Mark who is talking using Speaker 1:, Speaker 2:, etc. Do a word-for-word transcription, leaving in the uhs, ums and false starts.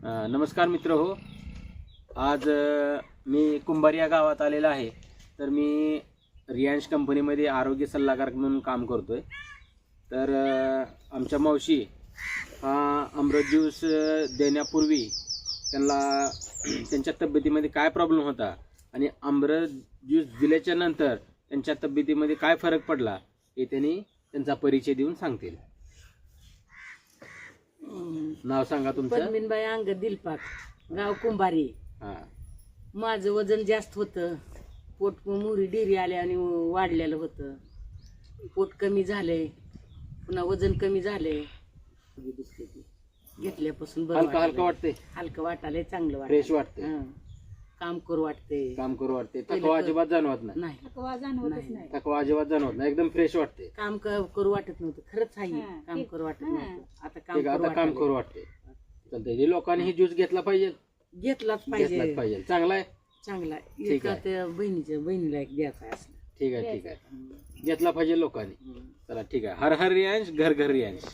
Speaker 1: अ, नमस्कार मित्र हो. आज अ, मी कुंभार या गावात आलेला आहे. तर मी रियांश कंपनीमध्ये आरोग्य सल्लागार म्हणून काम करतोय. तर अ, आमच्या मावशी हा अमृत ज्यूस अ, देण्यापूर्वी त्यांना त्यांच्या तब्येतीमध्ये काय प्रॉब्लेम होता आणि अमृत ज्यूस दिल्याच्या नंतर त्यांच्या तब्येतीमध्ये काय फरक पडला हे त्यांनी त्यांचा परिचय देऊन सांगतील. नाव सांगा तुमचं.
Speaker 2: पद्मिनबाई अंग दिलपाक, गाव कुंभारी.
Speaker 1: हा.
Speaker 2: माझं वजन जास्त होतं, पोट मुरी डिरी आल्या आणि वाढलेलं होतं. पोट कमी झालंय, पुन्हा वजन कमी झालंय. घेतल्यापासून बरं
Speaker 1: हलका हलका
Speaker 2: वाटायलंय.
Speaker 1: वाटते,
Speaker 2: हलकं वाटायलंय, चांगलं
Speaker 1: फ्रेश
Speaker 2: वाटत.
Speaker 1: वाटते,
Speaker 2: काम करू वाटते.
Speaker 1: काम करू वाटते,
Speaker 2: केलं
Speaker 1: थकवा
Speaker 2: तर-
Speaker 1: अजिबात जाणवत नाही.
Speaker 2: नाही नाही.
Speaker 1: थकवा अजिबात जाणवत नाही, एकदम फ्रेश वाटते.
Speaker 2: काम क- करू वाटत नव्हतं, खरंच आहे. काम करू वाटत नव्हतं, आता काम
Speaker 1: ठीक आहे,
Speaker 2: करू
Speaker 1: आता काम
Speaker 2: वाटायलंय.
Speaker 1: करू वाटते. चालतंय, हे लोकांनी ही ज्यूस घेतला पाहिजे,
Speaker 2: घेतलाच
Speaker 1: घेतलाच
Speaker 2: पाहिजे.
Speaker 1: पाहिजे. चांगला आहे,
Speaker 2: चांगला आहे.
Speaker 1: ठीक
Speaker 2: एका
Speaker 1: आहे.
Speaker 2: त्या बहिणीच्या बहिणीला एक द्यायचा आहे असं.
Speaker 1: ठीक आहे, ठीक आहे, घेतला पाहिजे लोकांनी. चला ठीक आहे. हर हर रियांश, घर घर रियांश.